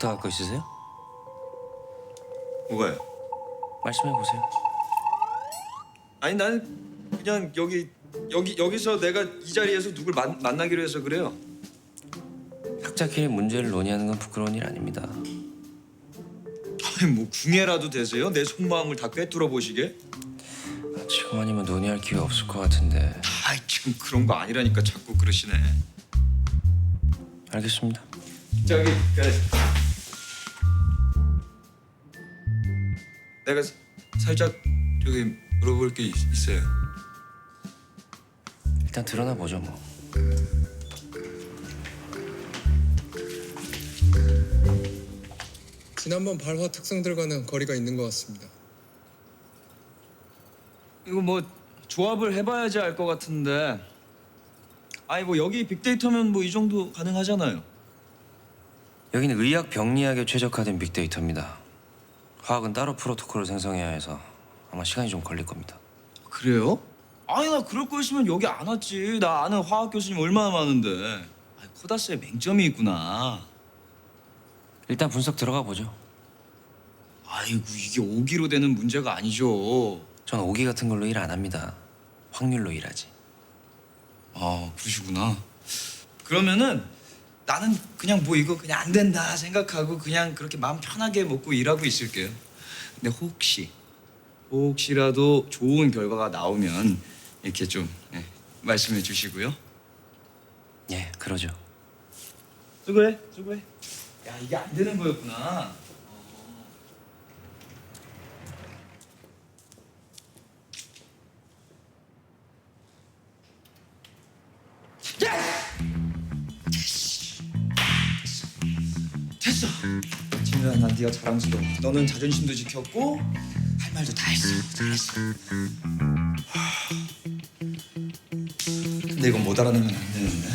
부탁할 거 있으세요? 뭐가요? 말씀해 보세요. 아니 나는 그냥 여기서 내가 이 자리에서 누굴 만나기로 해서 그래요. 학자끼리 문제를 논의하는 건 부끄러운 일 아닙니다. 아니 뭐 궁예라도 되세요? 내 속마음을 다 꿰뚫어 보시게? 지금 아니면 논의할 기회 없을 것 같은데. 아이 참 그런 거 아니라니까 자꾸 그러시네. 알겠습니다. 저기 내가 살짝 저기 물어볼 게 있어요. 일단 드러나 보죠 뭐. 지난번 발화 특성들과는 거리가 있는 것 같습니다. 이거 뭐 조합을 해봐야지 알 것 같은데. 아니 뭐 여기 빅데이터면 뭐 이 정도 가능하잖아요. 여기는 의학 병리학에 최적화된 빅데이터입니다. 화학은 따로 프로토콜을 생성해야 해서 아마 시간이 좀 걸릴 겁니다. 그래요? 아니 나 그럴 거였으면 여기 안 왔지. 나 아는 화학 교수님 얼마나 많은데. 아니, 코다스에 맹점이 있구나. 일단 분석 들어가 보죠. 아이고 이게 오기로 되는 문제가 아니죠. 전 오기 같은 걸로 일 안 합니다. 확률로 일하지. 아 그러시구나. 그러면은 나는 그냥 뭐 이거 그냥 안 된다 생각하고 그냥 그렇게 마음 편하게 먹고 일하고 있을게요. 근데 혹시라도 좋은 결과가 나오면 이렇게 좀 말씀해 주시고요. 예, 그러죠. 수고해. 야 이게 안 되는 거였구나. 됐어. 진우야 난 네가 자랑스러워. 너는 자존심도 지켰고 할 말도 다 했어. 잘했어. 근데 이건 못 알아내면 안 되는데.